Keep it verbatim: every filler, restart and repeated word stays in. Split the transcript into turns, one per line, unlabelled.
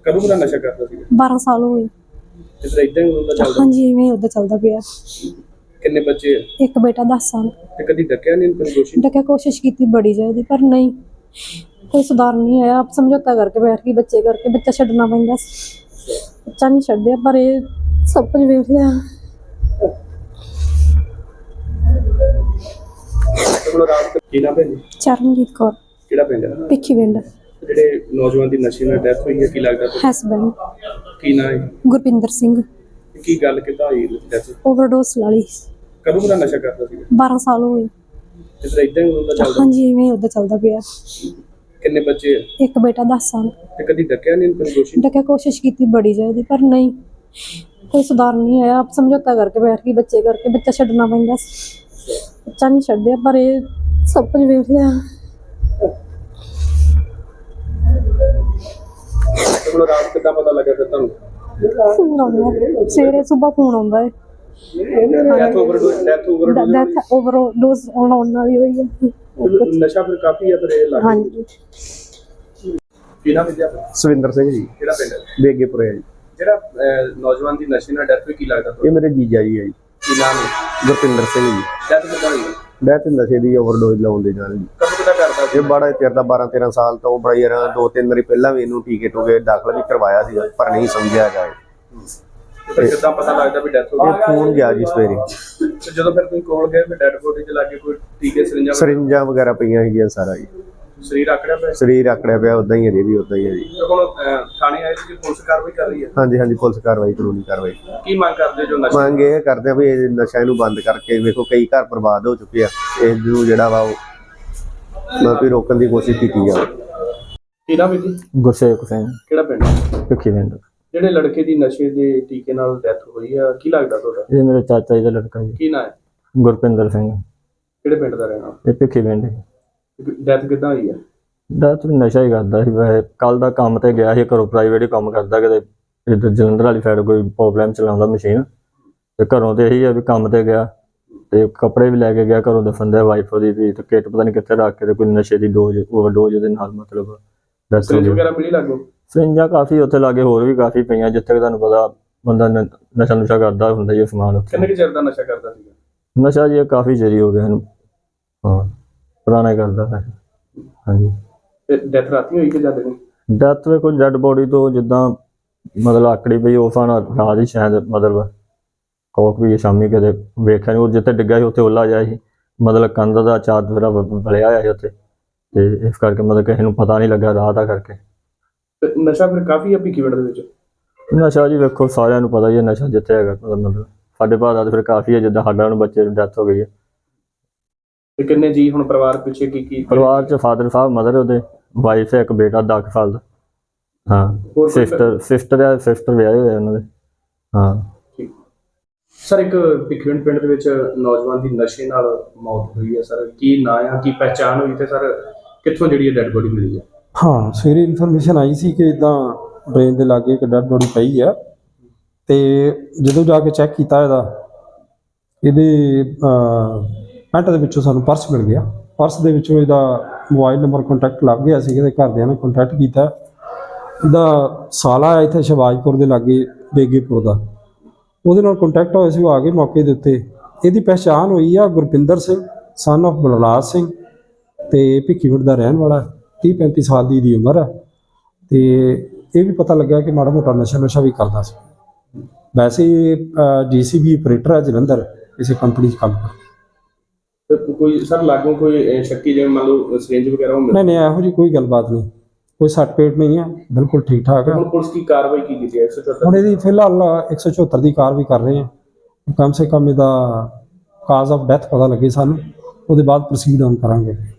ਕਦੋਂ ਦਾ ਨਸ਼ਾ ਕਰਦਾ ਸੀ?
ਬਾਰਾਂ ਸਾਲ ਹੋ ਗਏ।
ਤੇ ਫਿਰ ਇਦਾਂ ਹੀ ਹੁੰਦਾ ਚੱਲਦਾ?
ਹਾਂਜੀ, ਇਵੇਂ ਉਦਾਂ ਚੱਲਦਾ ਪਿਆ।
ਕਿੰਨੇ ਬੱਚੇ ਆ?
ਇੱਕ ਬੇਟਾ ਦਸ ਸਾਲ।
ਤੇ ਕਦੀ ਡੱਕਿਆ ਨਹੀਂ ਤੈਨੂੰ ਦੋਸ਼ੀ?
ਡੱਕਿਆ ਕੋਸ਼ਿਸ਼ ਕੀਤੀ ਬੜੀ ਜ਼ਿਆਦਾ, ਪਰ ਨਹੀਂ ਕੋਈ ਸੁਧਾਰ ਨਹੀਂ ਆਇਆ। ਆਪ ਸਮਝੌਤਾ ਕਰਕੇ ਬੈਠ ਗਈ ਬੱਚੇ ਕਰਕੇ, ਬੱਚਾ ਛੱਡਣਾ ਪੈਂਦਾ ਸੀ, ਬੱਚਾ ਨਹੀਂ ਛੱਡਿਆ। ਪਰ ਇਹ ਸਭ ਕੁਝ ਵੇਖ ਲਿਆ।
ਕੀ ਨਾਮ ਹੈ ਜੀ?
ਚਰਨਜੀਤ ਕੌਰ।
ਕਿਹੜਾ ਪਿੰਡ ਹੈ?
ਭਿੱਖੀ ਪਿੰਡ।
ਜਿਹੜੇ ਨੌਜਵਾਨ ਦੀ ਨਸ਼ੇ ਨਾਲ ਡੈਥ ਹੋਈ ਹੈ, ਕੀ ਲੱਗਦਾ ਤੁਹਾਨੂੰ?
ਹਸਬੈਂਡ
ਕੀ ਨਾਮ ਹੈ?
ਗੁਰਪਿੰਦਰ ਸਿੰਘ।
ਕੀ ਗੱਲ ਕਿੱਦਾਂ ਹੋਈ ਡੈਥ?
ਓਵਰਡੋਸ ਵਾਲੀ।
ਕਦੋਂ ਦਾ ਨਸ਼ਾ ਕਰਦਾ ਸੀ?
ਬਾਰਾਂ ਸਾਲ ਹੋ ਗਏ।
ਤੇ ਫਿਰ ਇਦਾਂ ਹੀ ਹੁੰਦਾ ਚੱਲਦਾ?
ਹਾਂਜੀ, ਇਵੇਂ ਉਦਾਂ ਚੱਲਦਾ ਪਿਆ।
ਕਿੰਨੇ ਬੱਚੇ ਆ?
ਇੱਕ ਬੇਟਾ ਦਸ ਸਾਲ।
ਤੇ ਕਦੀ ਡੱਕਿਆ ਨਹੀਂ ਤੈਨੂੰ ਦੋਸ਼ੀ?
ਡੱਕਿਆ ਕੋਸ਼ਿਸ਼ ਕੀਤੀ ਬੜੀ ਜ਼ਿਆਦਾ, ਪਰ ਨਹੀਂ ਕੋਈ ਸੁਧਾਰ ਨਹੀਂ ਆਇਆ। ਆਪ ਸਮਝੌਤਾ ਕਰਕੇ ਬੈਠ ਗਈ ਬੱਚੇ ਕਰਕੇ, ਬੱਚਾ ਛੱਡਣਾ ਪੈਂਦਾ ਸੀ, ਬੱਚਾ ਨਹੀਂ ਛੱਡਿਆ। ਪਰ ਇਹ ਸਭ ਕੁਝ ਵੇਖ ਲਿਆ।
ਹੁਣ ਰਾਤ ਕਿੱਦਾਂ ਪਤਾ ਲੱਗਾ ਫਿਰ ਤੁਹਾਨੂੰ?
ਫੋਨ ਆਉਂਦਾ ਸਵੇਰੇ, ਸੁਬਾਹ ਫੋਨ ਆਉਂਦਾ ਹੈ।
Death overdose death overdose
death overdose ਆਉਣ ਵਾਲੀ ਹੋਈ ਹੈ।
ਨਸ਼ਾ ਫਿਰ ਕਾਫੀ ਹੈ ਫਿਰ ਇਹ ਲੱਗ।
ਹਾਂਜੀ।
ਕੀ ਨਾਮ ਹੈ ਜੀ ਆਪਣਾ?
ਸਵਿੰਦਰ ਸਿੰਘ ਜੀ।
ਕਿਹੜਾ ਪਿੰਡ ਹੈ?
ਬੇਗੇਪੁਰੇ ਜੀ।
ਜਿਹੜਾ ਅਹ, ਨੌਜਵਾਨ ਦੀ ਨਸ਼ੇ ਨਾਲ ਡੈਥ ਹੋਈ, ਕੀ ਲੱਗਦਾ
ਇਹ
ਤੁਹਾਨੂੰ?
ਮੇਰੇ ਜੀਜਾ ਜੀ ਹੈ ਜੀ,
ਕੀ ਨਾਮ ਹੈ?
ਗੁਰਪਿੰਦਰ ਸਿੰਘ ਜੀ।
ਡੈਥ ਕਿੱਦਾਂ ਹੋਈ?
ਡੈਥ ਨਸ਼ੇ ਦੀ ਓਵਰਡੋਜ਼ ਲਾਉਣ ਦੇ ਨਾਲ ਜੀ।
ਕਦੋਂ ਕਿੱਦਾਂ ਕਰਦਾ ਸੀ?
ਇਹ ਬੜਾ ਚਿਰ ਦਾ ਬਾਰਾਂ ਤੇਰਾਂ ਸਾਲ ਤੋਂ ਬੜਾ ਯਾਰ ਦੋ ਤਿੰਨ ਵਾਰੀ ਪਹਿਲਾਂ ਵੀ ਇਹਨੂੰ ਟੀਕੇ ਟੂਕੇ ਦਾਖਲ ਵੀ ਕਰਵਾਇਆ ਸੀ, ਪਰ ਨਹੀਂ ਸਮਝਿਆ ਜਾਏ।
ਫਿਰ ਕਿੱਦਾਂ ਪਤਾ ਲੱਗਦਾ ਵੀ ਡੈਥ ਹੋ
ਇਹ
ਗਈ?
ਫੋਨ ਗਿਆ ਜੀ ਸਵੇਰੇ।
ਤੇ ਜਦੋਂ ਫਿਰ ਤੁਸੀਂ ਕੋਲ ਗਏ ਫਿਰ ਡੈਡ ਬੋਡੀ 'ਚ ਲੱਗੇ ਕੋਈ ਟੀਕੇ ਸਰਿੰਜਾਂ
ਸਰਿੰਜਾਂ ਵਗੈਰਾ ਪਈਆਂ ਸੀਗੀਆਂ ਸਾਰਾ ਜੀ।
ਸਰੀਰ ਆਕੜਿਆ ਪਿਆ?
ਸਰੀਰ ਆਕੜਿਆ ਪਿਆ, ਉਦਾਂ ਹੀ ਅਜੇ ਵੀ ਉਦਾਂ ਹੀ ਹੈ ਜੀ।
ਤੇ ਹੁਣ ਅਹ, ਥਾਣੇ ਆਏ ਸੀ ਕਿ ਪੁਲਿਸ ਕਾਰਵਾਈ ਕਰ ਰਹੀ ਹੈ?
ਹਾਂਜੀ ਹਾਂਜੀ, ਪੁਲਿਸ ਕਾਰਵਾਈ ਕਾਨੂੰਨੀ ਕਾਰਵਾਈ
ਕੀ ਮੰਗ ਕਰਦੇ ਜੋ ਨਸ਼ਾ?
ਮੰਗ ਇਹ ਕਰਦੇ ਆ ਵੀ ਇਹ ਨਸ਼ਾ ਇਹਨੂੰ ਬੰਦ ਕਰਕੇ, ਵੇਖੋ ਕਈ ਘਰ ਬਰਬਾਦ ਹੋ ਚੁੱਕੇ ਆ, ਇਸ ਨੂੰ ਜਿਹੜਾ ਵਾ ਉਹ ਮਤਲਬ ਵੀ ਰੋਕਣ ਦੀ ਕੋਸ਼ਿਸ਼ ਕੀਤੀ ਜਾਵੇ।
ਕੀ ਨਾਮ ਹੈ ਜੀ?
ਗੁਰਸੇਵਕ ਸਿੰਘ।
ਕਿਹੜਾ ਪਿੰਡ?
ਭਿੱਖੀ ਪਿੰਡ।
ਜਿਹੜੇ ਲੜਕੇ ਦੀ ਨਸ਼ੇ ਦੇ ਟੀਕੇ ਨਾਲ ਡੈਥ ਹੋਈ ਆ, ਕੀ ਲੱਗਦਾ ਤੁਹਾਡਾ?
ਇਹ ਮੇਰੇ ਚਾਚਾ ਜੀ ਦਾ ਲੜਕਾ ਜੀ,
ਕੀ ਨਾਮ ਹੈ?
ਗੁਰਪਿੰਦਰ ਸਿੰਘ।
ਕਿਹੜੇ ਪਿੰਡ ਦਾ ਰਹਿਣਾ?
ਇਹ ਭਿੱਖੀ ਪਿੰਡ।
ਡੈਥ ਕਿੱਦਾਂ ਹੋਈ ਆ?
ਡੈਥ ਨਸ਼ਾ ਹੀ ਕਰਦਾ ਸੀ ਵੈਸੇ। ਕੱਲ ਦਾ ਕੰਮ ਤੇ ਗਿਆ ਸੀ, ਘਰੋਂ ਪ੍ਰਾਈਵੇਟ ਹੀ ਕੰਮ ਕਰਦਾ, ਕਿਤੇ ਇੱਧਰ ਜਲੰਧਰ ਵਾਲੀ ਸਾਈਡ ਕੋਈ ਪ੍ਰੋਬਲਮ ਚਲਾਉਂਦਾ ਮਸ਼ੀਨ, ਤੇ ਘਰੋਂ ਤੇ ਇਹੀ ਆ ਵੀ ਕੰਮ ਤੇ ਗਿਆ, ਤੇ ਕੱਪੜੇ ਵੀ ਲੈ ਕੇ ਗਿਆ ਘਰੋਂ ਦੱਸਣ ਦਾ ਵਾਈਫ ਉਹਦੀ ਵੀ, ਤੇ ਕਿੱਟ ਪਤਾ ਨਹੀਂ ਕਿੱਥੇ ਰੱਖ ਕੇ ਤੇ ਕੋਈ ਨਸ਼ੇ ਦੀ ਡੋਜ਼ ਓਵਰਡੋਜ਼ ਦੇ ਨਾਲ ਮਤਲਬ ਡੈਥ ਹੋ
ਸਰਿੰਜ
ਗਈ।
ਵਗੈਰਾ ਮਿਲੀ ਲੱਗੋ?
ਸਰਿੰਜਾਂ ਕਾਫੀ ਉੱਥੇ ਲਾਗੇ ਹੋਰ ਵੀ ਕਾਫੀ ਪਈਆਂ, ਜਿੱਥੇ ਕਿ ਤੁਹਾਨੂੰ ਪਤਾ ਬੰਦਾ ਨ- ਨਸ਼ਾ ਨੁਸ਼ਾ ਕਰਦਾ ਹੁੰਦਾ ਜੀ ਸਮਾਨ ਉੱਥੇ।
ਕਿੰਨੇ ਕੁ ਚਿਰ ਦਾ ਨਸ਼ਾ ਕਰਦਾ ਸੀਗਾ?
ਨਸ਼ਾ ਜੀ ਇਹ ਕਾਫੀ ਚਿਰ ਹੋ ਗਿਆ ਇਹਨੂੰ। ਹਾਂ, ਪੁਰਾਣਾ ਹੀ ਕਰਦਾ ਹੈ। ਹਾਂਜੀ।
ਤੇ ਡੈਥ ਰਾਤੀ ਹੋਈ ਕਿ ਜਦ ਨਹੀਂ?
ਡੈਥ ਵੇ ਕੋਈ ਡੈਡ ਬੋਡੀ ਤੋਂ ਜਿੱਦਾਂ ਮਤਲਬ ਆਕੜੀ ਪਈ ਉਹ ਫਾਣਾ ਰਾਤ ਹੀ ਸ਼ਾਇਦ ਮਤਲਬ ਕੋਕ ਵੀ ਸ਼ਾਮੀ ਕਦੇ ਵੇਖਿਆ ਨਹੀਂ, ਉਹ ਜਿੱਥੇ ਡਿੱਗਾ ਸੀ ਉੱਥੇ ਓਲਾ ਜਿਹਾ ਸੀ, ਮਤਲਬ ਕੰਧ ਦਾ ਚਾਦਰਾ ਬਲਿਆ ਹੋਇਆ ਸੀ ਉੱਥੇ, ਤੇ ਇਸ ਕਰਕੇ ਮਤਲਬ ਕਿਸੇ ਨੂੰ ਪਤਾ ਨਹੀਂ ਲੱਗਾ ਰਾਤ ਦਾ ਕਰਕੇ।
ਤੇ ਨਸ਼ਾ ਫਿਰ ਕਾਫੀ ਆ ਭਿੱਖੀ ਪਿੰਡ ਦੇ ਵਿੱਚ?
ਨਸ਼ਾ ਜੀ ਵੇਖੋ ਸਾਰਿਆਂ ਨੂੰ ਪਤਾ ਹੀ ਹੈ, ਨਸ਼ਾ ਜਿੱਥੇ ਹੈਗਾ ਮਤਲਬ ਸਾਡੇ ਭਾਅ ਦਾ ਤਾਂ ਫਿਰ ਕਾਫੀ ਹੈ, ਜਿੱਦਾਂ ਸਾਡਾ ਹੁਣ ਬੱਚੇ ਦੀ ਡੈਥ ਹੋ ਗਈ ਹੈ।
ਤੇ ਕਿੰਨੇ ਜੀ ਹੁਣ ਪਰਿਵਾਰ ਪਿੱਛੇ ਕੀ ਕੀ?
ਪਰਿਵਾਰ 'ਚ ਫਾਦਰ ਸਾਹਿਬ, ਮਦਰ ਉਹਦੇ, ਵਾਈਫ ਹੈ, ਇੱਕ ਬੇਟਾ ਦਸ ਸਾਲ ਦਾ। ਹਾਂ,
ਹੋਰ ਕੋਈ
ਸਿਸਟਰ ਸਿਸਟਰ ਹੈ, ਸਿਸਟਰ ਵਿਆਹੇ ਹੋਏ ਉਹਨਾਂ ਦੇ। ਹਾਂ।
ਠੀਕ ਸਰ, ਇੱਕ ਭਿੱਖੀ ਪਿੰਡ ਪਿੰਡ ਦੇ ਵਿੱਚ ਨੌਜਵਾਨ ਦੀ ਨਸ਼ੇ ਨਾਲ ਮੌਤ ਹੋਈ ਹੈ ਸਰ, ਕੀ ਨਾਂ ਆ, ਕੀ ਪਹਿਚਾਣ ਹੋਈ, ਤੇ ਸਰ ਕਿੱਥੋਂ ਜਿਹੜੀ ਡੈਡ ਬੋਡੀ ਮਿਲੀ ਹੈ?
ਹਾਂ, ਸਵੇਰੇ ਇਨਫੋਰਮੇਸ਼ਨ ਆਈ ਸੀ ਕਿ ਇਦਾਂ ਡਰੇਨ ਦੇ ਲਾਗੇ ਇੱਕ ਡੈਡ ਬੋਡੀ ਪਈ ਆ, ਤੇ ਜਦੋਂ ਜਾ ਕੇ ਚੈੱਕ ਕੀਤਾ ਇਹਦਾ ਇਹਦੇ ਪੈਂਟ ਦੇ ਵਿੱਚੋਂ ਸਾਨੂੰ ਪਰਸ ਮਿਲ ਗਿਆ। ਪਰਸ ਦੇ ਵਿੱਚੋਂ ਇਹਦਾ ਮੋਬਾਈਲ ਨੰਬਰ ਕੰਟੈਕਟ ਲੱਗ ਗਿਆ ਸੀ, ਇਹਦੇ ਘਰਦਿਆਂ ਨੇ ਕੰਟੈਕਟ ਕੀਤਾ। ਇਹਦਾ ਸਾਲਾ ਹੈ ਇੱਥੇ ਸ਼ਿਵਾਜਪੁਰ ਦੇ ਲਾਗੇ ਬੇਗੇਪੁਰ ਦਾ, ਉਹਦੇ ਨਾਲ ਕੰਟੈਕਟ ਹੋਇਆ ਸੀ, ਉਹ ਆ ਕੇ ਮੌਕੇ ਦੇ ਉੱਤੇ। ਇਹਦੀ ਪਹਿਚਾਣ ਹੋਈ ਆ ਗੁਰਪਿੰਦਰ ਸਿੰਘ ਸਨ ਆਫ ਬਲਰਾਜ ਸਿੰਘ, ਤੇ ਭਿੱਖੀਵਿੰਡ ਦਾ ਰਹਿਣ ਵਾਲਾ, ਤੀਹ ਪੈਂਤੀ ਸਾਲ ਦੀ ਇਹਦੀ ਉਮਰ ਹੈ। ਤੇ ਇਹ ਵੀ ਪਤਾ ਲੱਗਾ ਕਿ ਮਾੜਾ ਮੋਟਾ ਨਸ਼ਾ ਨੁਸ਼ਾ ਵੀ ਕਰਦਾ ਸੀ। ਵੈਸੇ ਡੀ ਸੀ ਬੀ ਆਪਰੇਟਰ ਹੈ ਜਲੰਧਰ, ਕਿਸੇ ਕੰਪਨੀ 'ਚ ਕੰਮ ਕਰਦਾ।
ਤੇ ਕੋਈ ਸਰ ਲਾਗੋਂ ਕੋਈ ਸ਼ੱਕੀ ਜਿਵੇਂ ਮੰਨ ਲਓ ਸਰਿੰਜ ਵਗੈਰਾ ਉਹ ਮਿਲ?
ਨਹੀਂ ਨਹੀਂ, ਇਹੋ ਜਿਹੀ ਕੋਈ ਗੱਲਬਾਤ ਨਹੀਂ, ਕੋਈ ਸੱਟ ਪੇਟ ਨਹੀਂ ਹੈ, ਬਿਲਕੁਲ ਠੀਕ ਠਾਕ ਹੈ।
ਹੁਣ ਪੁਲਿਸ ਕੀ ਕਾਰਵਾਈ ਕੀ ਕੀਤੀ ਹੈ? ਇੱਕ ਸੌ ਚੁਹੱਤਰ
ਹੁਣ ਇਹਦੀ ਫਿਲਹਾਲ ਇੱਕ ਸੌ ਚੁਹੱਤਰ ਦੀ ਕਾਰਵਾਈ ਕਰ ਰਹੇ ਹਾਂ। ਕਮ ਸੇ ਕਮ ਇਹਦਾ ਕਾਜ਼ ਆਫ ਡੈਥ ਪਤਾ ਲੱਗੇ ਸਾਨੂੰ, ਉਹਦੇ ਬਾਅਦ ਪ੍ਰੋਸੀਡ on ਕਰਾਂਗੇ।